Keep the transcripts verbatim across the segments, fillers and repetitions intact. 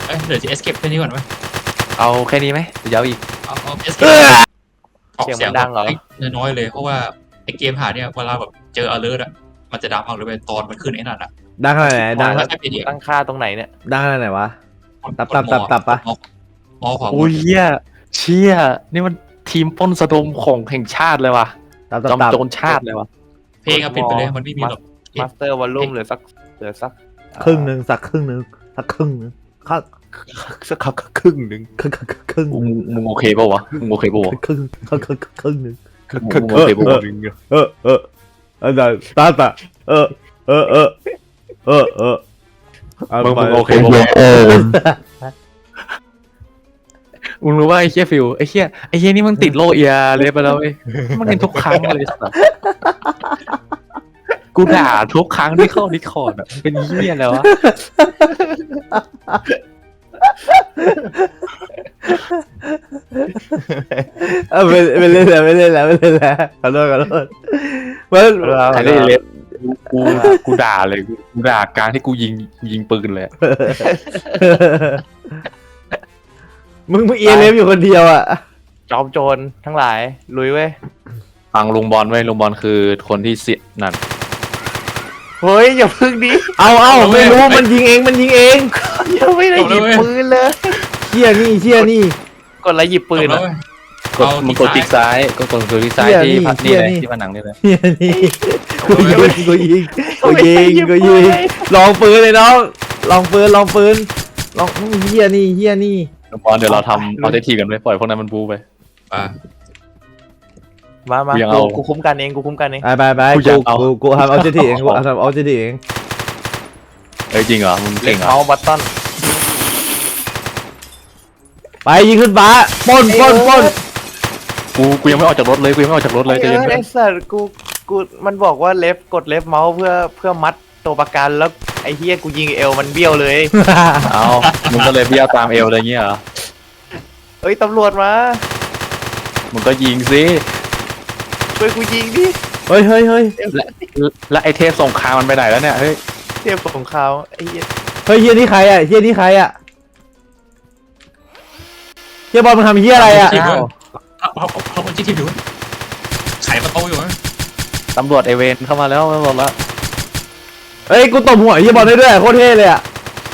เอ้ยเดี๋ยวจะ escape แค่นี้ก่อนไหมเอาแค่นี้ไหมเดี๋ยวอีกเอาเอา escape ออกเสียงดังเหรอน้อยเลยเพราะว่าไอเกมหาเนี่ยเวลาแบบเจอ alert อะมันจะดังมากเลยตอนมันขึ้นไอ้นั่นอะดังขนาดไหนดังตั้งค่าตรงไหนเนี่ยดังขนาดไหนวะตับตับตับตับปะมอขวาอุ้ยเหี้ยเชี่ยนี่มันทีมปล้นสะดมของแห่งชาติเลยว่ะจอมโจรชาติเลยว่ะเพลงอะปิดไปเลยมันไม่มีหรอกมาสเตอร์วอลลุ่มเหลือสักเหลือสักครึ่งหนึ่งสักครึ่งหนึ่งสักครึ่งหนึ่งสักสักครึ่งหนึ่งครึ่งครึ่งมึงโอเคป่าวะมึงโอเคป่าวครึ่งครึ่งครึ่งครึ่งหนึ่งครึ่งโอเคป่าวเออเอออาจารย์ตาตาเออเออเออเออเออมึงโอเคป่าวมึงรู้ว่าไอ้เชี่ยฟิวไอ้เชี่ยไอ้เชี่ยนี่มันติดโลเอียเลยไปแล้วเว้ยมันเป็นทุกครั้งเลยสัสกูด่าทุกครั้งที่เข้าดิสคอร์ดอ่ะเป็นเหี้ยแล้ววะเออไม่ไม่เล่นแล้วไม่เล่นแล้วไม่เล่นแล้วขอโทษขอโทษมันไอ้เล่นเล็บกูกูด่าเลยกูด่าการที่กูยิงยิงปืนเลยมึงมึงเอเลฟอยู่คนเดียวอ่ะจอมโจรทั้งหลายลุยเว้ยฟังลุงบอลไว้ลุงบอลคือคนที่เสียนั่นเฮ้ยอย่าพึ่งดิเอาเอาไม่รู้มันยิงเองมันยิงเองยังไม่ได้หยิบปืนเลยเชี่ยนี่เชี่ยนี่กดอะไรหยิบปืนอ่ะกดมันกดคลิกซ้ายก็กดคลิกซ้ายที่พัดนี่เลยที่ผนังนี่เลยเชี่ยนี่กูยิงกูยิงกูยิงกูยิงลองปืนเลยน้องลองปืนลองปืนลองเฮียนี่เฮียนี่บอลเดี๋ยวเราทำเอาเททีกันไปปล่อยพวกนั้นมันบูไปมามากูคุ้มกันเองกูคุ้มกันเองไปไปไปกูกูกูทำเอาเจทีเองกูทำเอาเจทีเองเฮ้ยจริงเหรอมึงเก่งเหรอเอาบัตตันไปยิงขึ้นฟ้าปนปนปนกูกูยังไม่ออกจากรถเลยกูยังไม่ออกจากรถเลยใจเย็นไอ้สัตว์กูกูมันบอกว่าเลฟกดเลฟเมาส์เพื่อเพื่อมัดตัวประกันแล้วไอ้เฮียกูยิงเอวมันเบี้ยวเลยเอามึงก็เลยเบี้ยวตามเอวอะไรเงี้ยเหรอเฮ้ยตำรวจมามึงก็ยิงสิช่วยกูยิงดิเฮ้ยเฮ้ยเฮ้ยแล้วไอเทพสงครามมันไปไหนแล้วเนี่ยเฮ้ยเทพสงครามไอ้เฮียเฮ้ยเฮียนี่ใครอ่ะเฮียนี่ใครอ่ะเฮียบอลมันทำเฮียอะไรอ่ะเอาเอาเอาคนที่ทีมอยู่ไขประตูอยู่ตำรวจเอเวนเข้ามาแล้วตำรวจละเฮ้ยกูตบหัวเฮียบอลได้ด้วยโคตรเท่เลยอ่ะ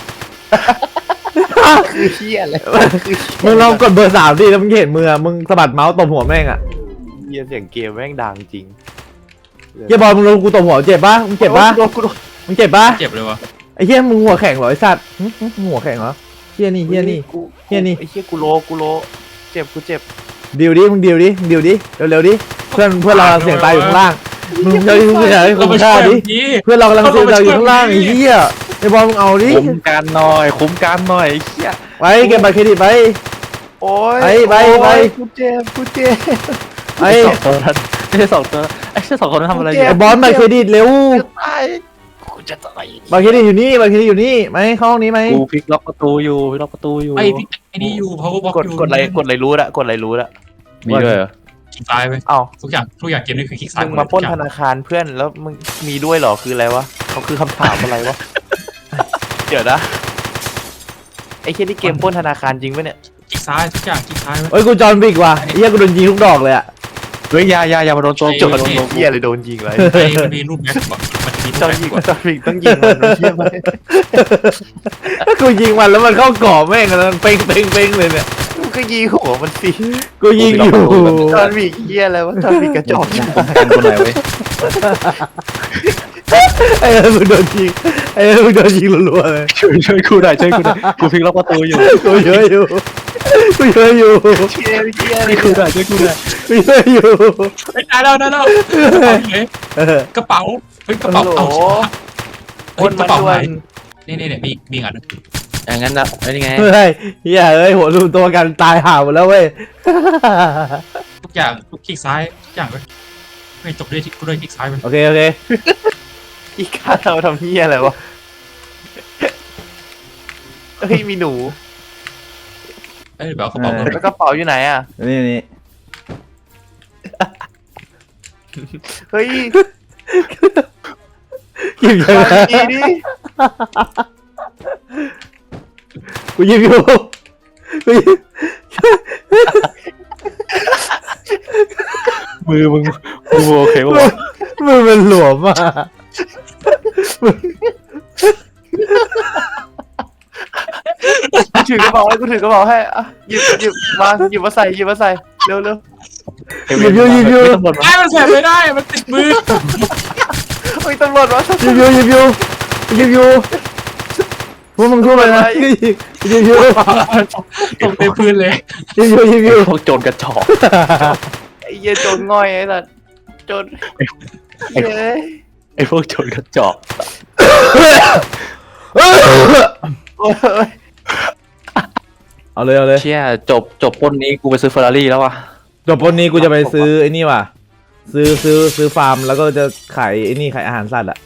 คือเฮียอะไรมึงลองกดเบอร์สามดิแล้วมึงเห็นมือมึงสะบัดเมาส์ตบหัวแม่งอ่ะเฮียเสียงเกมแม่งดังจริงเฮียบอลมึงลงกูตบหัวเจ็บปะมึงเจ็บปะมึงเจ็บปะเจ็บเลยวะไอ้เฮียมึงหัวแข็งเหรอไอ้สัตว์หัวแข็งเหรอเฮียนี่เฮียนี่เฮียนี่ไอ้เฮียกูโลกูโลเจ็บกูเจ็บดิวดิมึงดิวดิมึงดิวดิเร็วๆดิเพื่อนเพื่อนเราเสียงตายอยู่ข้างล่างมึงเฮ้ยมึงอยากให้คุ้มค่าดิเพื่อนเรากำลังเสียงตายอยู่ข้างล่างไอ้เหี้ยไอ้บอลมึงเอาดิคุ้มกันหน่อยคุ้มกันหน่อยไอ้เหี้ยไปเก็บบัตรเครดิตไปโอ้ยไปไปไปกูเจ็บกูเจ็บไอ้สองตัวนั้นไม่ใช่สองตัวไอ้สองคนนั้นทำอะไรอยู่ไอ้บอลบัตรเครดิตเร็วตายกูจะตายบัตรเครดิตอยู่นี่บัตรเครดิตอยู่นี่ไหมเข้าห้องนี้ไหมกูพลิกล็อกประตูอยู่พลิกล็อกประตูอยู่ไอ้พลิกไอ้นี่อยู่เพราะว่ากดกดอะไรกดอะไรรู้ละกดอะไรรู้ละมีด้วยเหรอคลิกซ้ายไปอ้าวทุกอย่างทุกอย่างเกมนี้คือคลิกซ้ายมึงมาปล้นธนาคารเพื่อนแล้วมึงมีด้วยเหรอคืออะไรวะเขาคือคำถามอะไรวะเดี๋ยวนะไอ้แค่นี้เกมปล้นธนาคารจริงปะเนี่ยคลิกซ้ายทุกอย่างคลิกซ้ายเฮ้ยกูจอห์นวิกว่ะไอ้เหี้ยกูโดนยิงทุกดอกเลยอะเฮ้ยยายายามาโดนโจมโจมโดนเหี้ยเลยโดนยิงเลยมันมีรูปแม็กซ์มันมีจอห์นวิกจอห์นวิกต้องยิงมันเหี้ยไหมถ้ากูยิงมันแล้วมันเข้ากรอบแม่งแล้วมันเป้งเป้งเป้งเลยเนี่ยกูก็ยิงหัวมันสิกูยิงอยู่จอห์นวิกเหี้ยอะไรวะจอห์นวิกกระจอกกันคนไหนเว้ยไอ้เออมึงโดนยิงไอ้เออมึงโดนยิงรัวๆเลยช่วยช่วยกูหน่อยช่วยกูหน่อยกูพลิกล็อกประตูอยู่กูเยอะอยู่กูเยอะอยู่เชี่ยเชี่ยช่วยกูหน่อยช่วยกูหน่อยกูเยอะอยู่ได้แล้วได้แล้วกระเป๋าเฮ้ยกระเป๋าเอาคนกระเป๋าไหนนี่นี่เนี่ยมีมีอันอย่างนั้นนะไอ้นี่ไงเฮ้ยเฮียเอ้ยหัวรูตัวกันตายห่าหมดแล้วเว้ยทุกอย่างทุกคลิกซ้ายทุกอย่างเลยไม่จบด้วยที่กูด้วยคลิกซ้ายมันโอเคโอเคอีกข้าเราทำเฮียอะไรวะเฮ้ยมีหนูเอ้ยแบบกระเป๋าแล้วกระเป๋าอยู่ไหนอ่ะนี่นี่เฮ้ยเก็บยังไงดิกูยิงอยู่กูยิงมือมึงมือโอเคป่ะมือมันหลวมอ่ะกูถือกระเป๋าให้กูถือกระเป๋าให้อ่ะหยิบหยิบมาหยิบมาใส่หยิบมาใส่เร็วเร็วยิงอยู่ยิงอยู่ตำรวจไอ้มันใส่ไม่ได้มันติดมือเฮ้ยตำรวจมายิงอยู่ยิงอยู่ยิงอยู่พวกมึงพูดอะไรนะยิงยิงอยู่ตกในพื้นเลยยิงอยู่ยิงอยู่พวกโจรกระจอกไอ้เหี้ยโจรง่อยไอ้สัสโจรเฮ้ยไอ้พวกโจรกระจอกโอ้ยเอาเลยเอาเลยเชี่ยจบจบปล้นนี้กูไปซื้อเฟอร์รารี่แล้ววะจบวันนี้กูจะไปซื้อไอ้นี่ว่ะซื้อซื้อซื้อฟาร์มแล้วก็จะขายไอ้นี่ขายอาหารสัตว์อ่ะ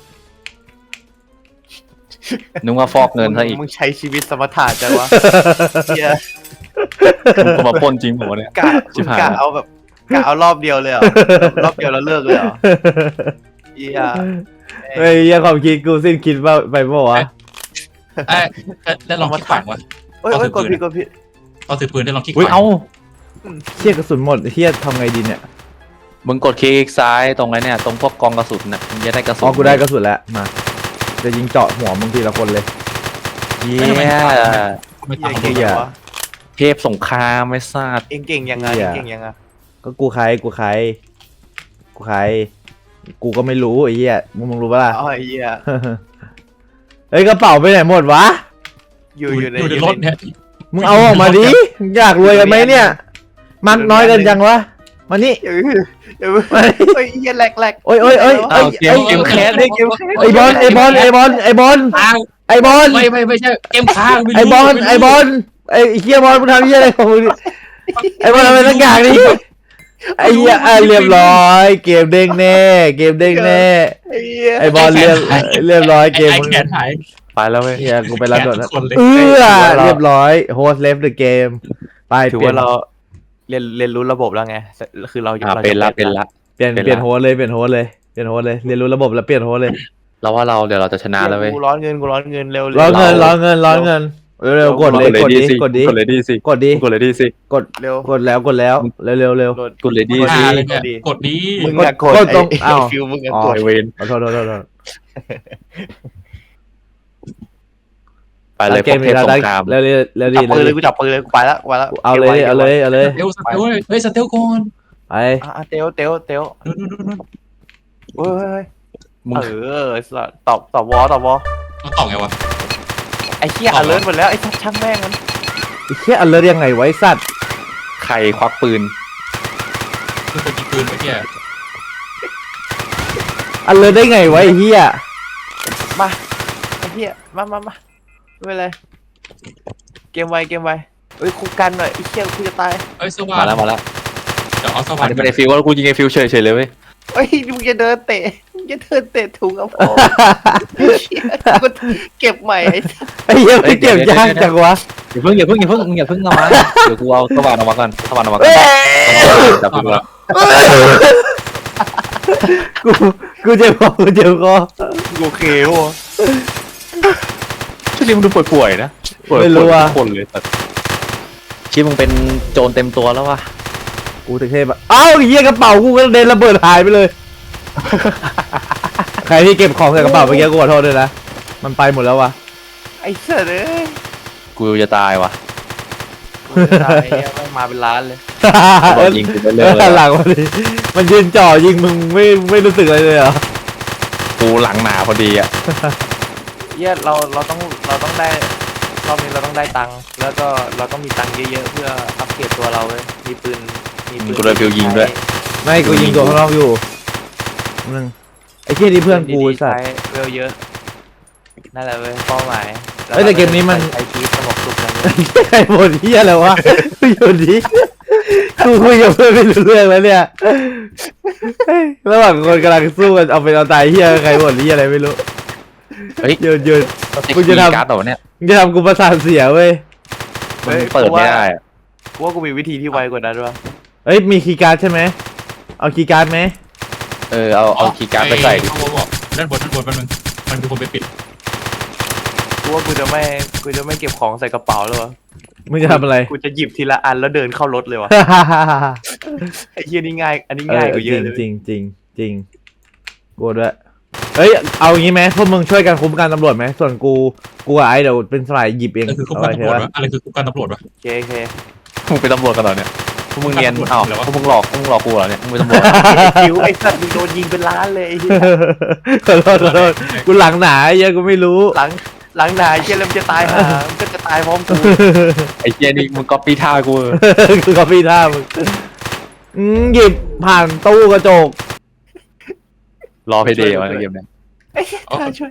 นึกว่าฟอกเงินซะอีกมึงใช้ชีวิตสมถะจังวะเหี้ยมึงมาปล้นจริงผมเนี่ยกะชิบหายกะเอาแบบกะเอารอบเดียวเลยเหรอรอบเดียวแล้วเลิกเลยเหรอเหี้ยเฮ้ยยังความคิดกูสิ้นคิดว่าไปเปล่าวะไอ้แล้วลองคิดฝังวะเอ้ยเอ้ยกดผิดกดผิดตอนถือปืนได้ลองคิดอุ้ยฝังเอ้าเชี่ยกระสุนหมดเชี่ยทำไงดีเนี่ยมึงกดคลิกซ้ายตรงไหนเนี่ยตรงพวกกองกระสุนน่ะมึงจะได้กระสุนอ๋อกูได้กระสุนแล้วมาจะยิงเจาะหัวมึงทีละคนเลยเยี่ยไม่เหี้ตาย ยเก่งเหี้ยยังวะเทพสงครามไม่ทราบเองเก่งยังไงเหี้ยเก่งยังไงก็กูใครกูใครกูใครกูก็ไม่รู้ไอ้เหี้ยมึงมึงรู้ปะล่ะอ๋อไอ้เหี้ยเฮ้ยกระเป๋าไปไหนหมดวะอยู่อยู่ในอยู่ในรถเนี่ยมึงเอาออกมาดิอยากรวยกันไหมเนี่ยมันน้อยกันจังวะมานี่เออเออเฮ้ยเหี้ยแหลกแหลกโอ้ยโอ้ยโอ้ยเอาเกมเกมแคสดิเกมแคสไอบอลไอบอลไอบอลไอบอลค้างไอบอลไม่ไม่ไม่ใช่เกมค้างม่รู้ไอบอลม่รู้ไอบอลไอเฮียบอลมึงทำเฮียอะไรของมึงเนี่ยไอบอลทำอะไรสักอย่างนี่ไอเฮียอ่ะเรียบร้อยเกมเด้งแน่เกมเด้งแน่ไอ้เหี้ยไอบอลเรียบเรียบร้อยเกมไอ้มึงแขนหายไปแล้วเว้ยเฮียกูไปรับด่วนแล้วแขนทุกคนเลยเออเรียบร้อยโฮสเลฟเดอะเกมไปถือเปลี่ยว่าน เราเรียนเรียนรู้ระบบแล้วไงคือเราอ่าราเป็นละเป็นละเปลี่ยนเป็นเปลี่ยนละโฮสเลยเปลี่ยนโฮสเลยเปลี่ยนโฮสเลยเรียนรู้ระบบแล้วเปลี่ยนโฮสเลยเราว่าเราเดี๋ยวเราจะชนะแล้วเว้ยกูร้อนเงินกูร้อนเงินเร็วร้อนเงินเราร้อนเงินร้อนเงินเร็วๆกดเลยกดดิกดดิกดเลยดีสิกดดิกดเลยดีสิกดเร็วกดแล้วกดแล้วเร็วเร็วเร็วโดนกดเลยดีกดสิดีเลยเนี่ยกดดีมึงกดอะกดกดตรงไอ้อ้าวไอ้ฟิวมึงอะอ๋อกดไอเวนขอโทษขอโทษขอโทษไปเลยพเกวมกเทนี้พเราสได้งครามเร็วเร็วเร็วจัดีบปืนเลเร็ยว กูจับปืนเลยกูไปละไปละเอาเลยเอาเลยเอาเลยเร็วสเตลเลยเฮ้ยสเตลก่อนไปอ่ะเตียวเตียวเตียวนู่นนู่นนู่นเฮ้ยเฮ้ยมึงเออสัตว์ตอบตอบวอตอบวอต้องตอบไงวะไอ้เหี้ยตอบอวอเลิร์หมดแล้วไอ้สัตว์ช่างแม่งมันไอ้เหี้ยอันเลิศยังไงไว้สัตว์ใครควักปืนคือคนยิงปืนเมื่อกี้อันเลิศได้ไงไว้ไอ้เหี้ยมาไอ้เหี้ยมามามาไม่เป็นไรเกมไวเกมไวเอ้ยคุกกันหน่อยไอ้เหี้ยกูจะตายเอ้ยสว่างมาแล้วมาแล้วเดี๋ยวเอาสอัว่าน งนี้เป็นไอฟิวว่ากูยิงไอฟิวเฉยเฉยเลยเว้ยเอ้ยมึงจะเดินเตะมึงจะเดินเตะถุงเอาพอไอ้เหี้ยกูเก็บใหม่ไอ้สัตว์ไอ้เหี้ยไม่เก็บยากจังวะอย่าเพิ่งอย่าเพิ่งอย่าเพิ่งมึงอย่าเพิ่งเอามาเดี๋ยวกูเอาสว่านออกมาก่อนสว่านออกมาก่เอ้อนยจับปืนแล้วกูกูเจ็บคอกูเจ็บคอโอเคโว้ช่วงนี้มึงดูป่วยๆนะป่วยๆทุกคนเลยแต่ชิมึงเป็นโจรเต็มตัวแล้ววะกูถึงเทพอะเอ้าไอ้เหี้ยกระเป๋ากูก็เดินระเบิดหายไปเลย ใครที่เก็บของใส่กระเป๋าเมื่อกี้กูขอโทษด้วยนะมันไปหมดแล้ววะไอ้เสือเอ้ยกูจะตายวะกูจะตายไอ้เหี้ยแม่งมาเป็นล้านเลยบอลยิงกูไปเรื่อยหลังมันดิมันยืนจ่อยิงมึงไม่ไม่รู้สึกอะไรเลยเหรอกูหลังหนาพอดีอ่ะเหี้ยเราเราต้องเราต้องได้รอบนี้เราต้องได้ตังค์แล้วก็เราต้องมีตังค์เยอะๆเพื่ออัปเกรดตัวเราเว้ยมีปืนมีปืนกูโดนฟิวยิงด้วยไม่กูยิงตัวข้างนอกอยู่นึงไอ้เหี้ยนี่เพื่อนกูไอ้สัตว์ใช้เวลเยอะนั่นแหละเว้ยเป้าหมายเอ้ยแต่เกมนี้มันไอพีสงบสุขกันเลยใครบ่นเหี้ยอะไรวะอยู่ดีกูคุยกับเพื่อนไม่รู้เรื่องแล้วเนี่ยเฮ้ยระหว่างคนกำลังสู้กันเอาเป็นเอาตายเหี้ยใครบ่นเหี้ยอะไรไม่รู้เฮ้ยหยุดหยุดมึมึงงจะจะทำทำการ์ดต่อเนี่ยมึงจะทำกูประสาทเสียเว้ยมันเปิดไม่ได้อะกูว่ากูมีวิธีที่ไวกว่านั้นวะเอ้ยมีคีย์การ์ดใช่ไหมเอาคีย์การ์ดไหมเออเอาเอาคีย์การ์ดไปใส่ดิเขาบอกด้านบนด้านบนแป๊บนึงมันมีคนไปปิดกูว่ากูจะไม่กูจะไม่เก็บของใส่กระเป๋าแล้ววะมึงจะทำอะไรกูจะหยิบทีละอันแล้วเดินเข้ารถเลยวะไอ้เหี้ยนี่ง่ายอันนี้เอง่ายอกว่าเยจริอะงเลยจริงจริงจริงกูด้วยเอ้ยเอาอย่างงี้ไหมพวกมึงช่วยกันคุ้มกันตำรวจไหมส่วนกูกูกับไอ้เดี๋ยวเป็นสายหยิบเองอะไรคือคุกเอาการไว้ตำรวจเถอะวะอะไรคือคุกการตำรวจวะโอเคโอเคมึงเป็นตำรวจกันเหรอเนี่ยพวกมึงเนียนอ้าวพวกมึงหลอกพวกมึงหลอกกูเหรอเนี่ยมึงเป็นตำรวจไอ้คิวไอ้สัตว์มึงโดนยิงเป็นล้านเลยไอ้เหี้ยขอโทษขอโทษกูหลังหนาไอ้เหี้ยกูไม่รู้หลังหลังหนาไอ้เหี้ยแล้วมันจะตายหามันก็จะตายพร้อมกูไอ้เจนี่มึงก๊อปปี้ท่ากูกูกับพี่ท่ามึงอืมหยิบผ่านตู้กระจกรอเพย์เดย์วะในเกมเนี่ยไอ้เหี้ยข้าช่วย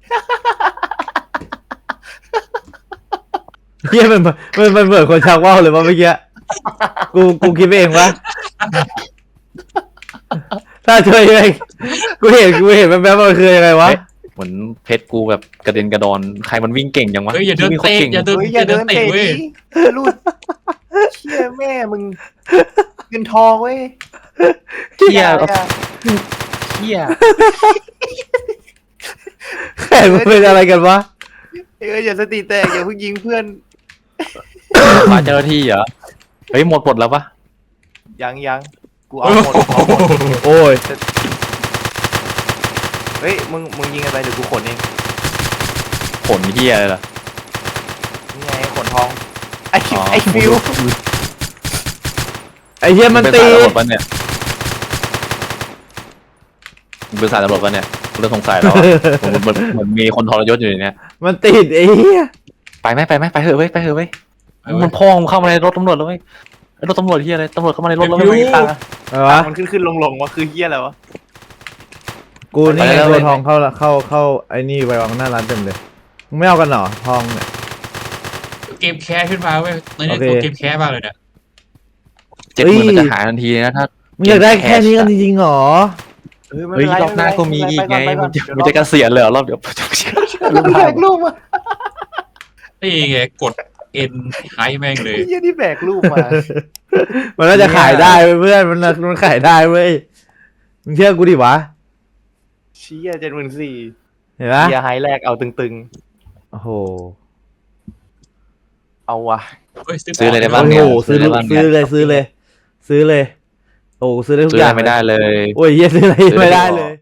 เฮียมันมันมันเหมือนคนชักว่าวเลยว่าเมื่อกี้กูกูคิดไปเองวะถ้าช่วยยังไงกูเห็นกูเห็นแป๊บๆมันคือยังไงวะเหมือนเพชรกูแบบกระเด็นกระดอนใครมันวิ่งเก่งจังวะเฮ้ยอย่าเดินวิ่งโคตรเตะเก่งอย่าเดินเฮ้ยออย่าย่าเดิเดินนเตะเตะเว้ยดิลูดเชี่ยแม่มึงเงินทองเว้ยเฮียอาอาเฮียแข่งมันเป็นอะไรกันวะเอ้ยอย่าสติแตกอย่าเพิ่งยิงเพื่อนมาเจ้าหน้าที่เหรอเฮ้ยหมดหมดแล้วปะยังยังกูเอาหมดกูเอาหมดโอ้ยเฮ้ยมึงมึงยิงอะไรเดี๋ยวกูขนเองขนเฮียเลยล่ะนี่ไงขนทองไอ้อ๋อไอ้ฟิวไอ้เฮียมันเป็นตีสายตำรวจปะเนี่ยมึงเป็นสายตำรวจปะเนี่ยกูเริ่มสงสัยแล้วอะเหมือนเหมือนเหมือนมีคนทรยศอยู่ในเนี้ยมันติดไอ้เฮียไปไหมไปไหมไปเถอะเว้ยไปเถอะเว้ยไปเว้ยมันพ่องเข้ามาในรถตำรวจแล้วเว้ยไอ้รถตำรวจเฮียอะไรตำรวจเข้ามาในรถแล้วเดี๋ยวเว้ยอยู่ตังอะไรวะมันขึ้นขึ้นลงลงวะคือเฮียอะไรวะกูนี่ไงไปแล้วตัวทองเข้าเข้าเข้าไอ้นี่ไปวางหน้าร้านเต็มเลยมึงไม่เอากันเหรอทองเนี่ยเกมแคสขึ้นมาเว้ยในนี้โอเคตัวเกมแคสมากเลยเนี่ยเจ็ดหมื่นมันจะหายทันทีนะถ้ามึงอยากได้แค่นี้กันจริงๆเหรอเฮ้ยไม่เฮ้เป็ยนไรรอบหน้าก็มีอีกไงไปมึก่อง นจะไปก่อนมึงจะเกษียณเลยเหรอรอบเดี๋ยวรูปแบกรูปมานี่ไงกดเอ็นไฮแม่งเลยเฮียนี่แบกรูปมามันน่าจะขายได้เว้ยเพื่อนมันน่ามันขายได้เว้ยมึงเชื่อกูดิวะเชี่ยเจ็ดหมื่นสี่เห็นปะเฮียไฮแรกเอาตึงโอ้โหๆ เอาวะเฮ้ยซื้อซื้ออะไรได้บ้างโอ้เนี่ยโหซื้ออะไรบ้างซื้อเลยซื้อเลย ซื้อเลย โอ้ซื้อได้ทุกซื้อออะย่างไรไม่ได้เลยโอ้ยเหี้ยซื้ออะไรไม่ได้เลย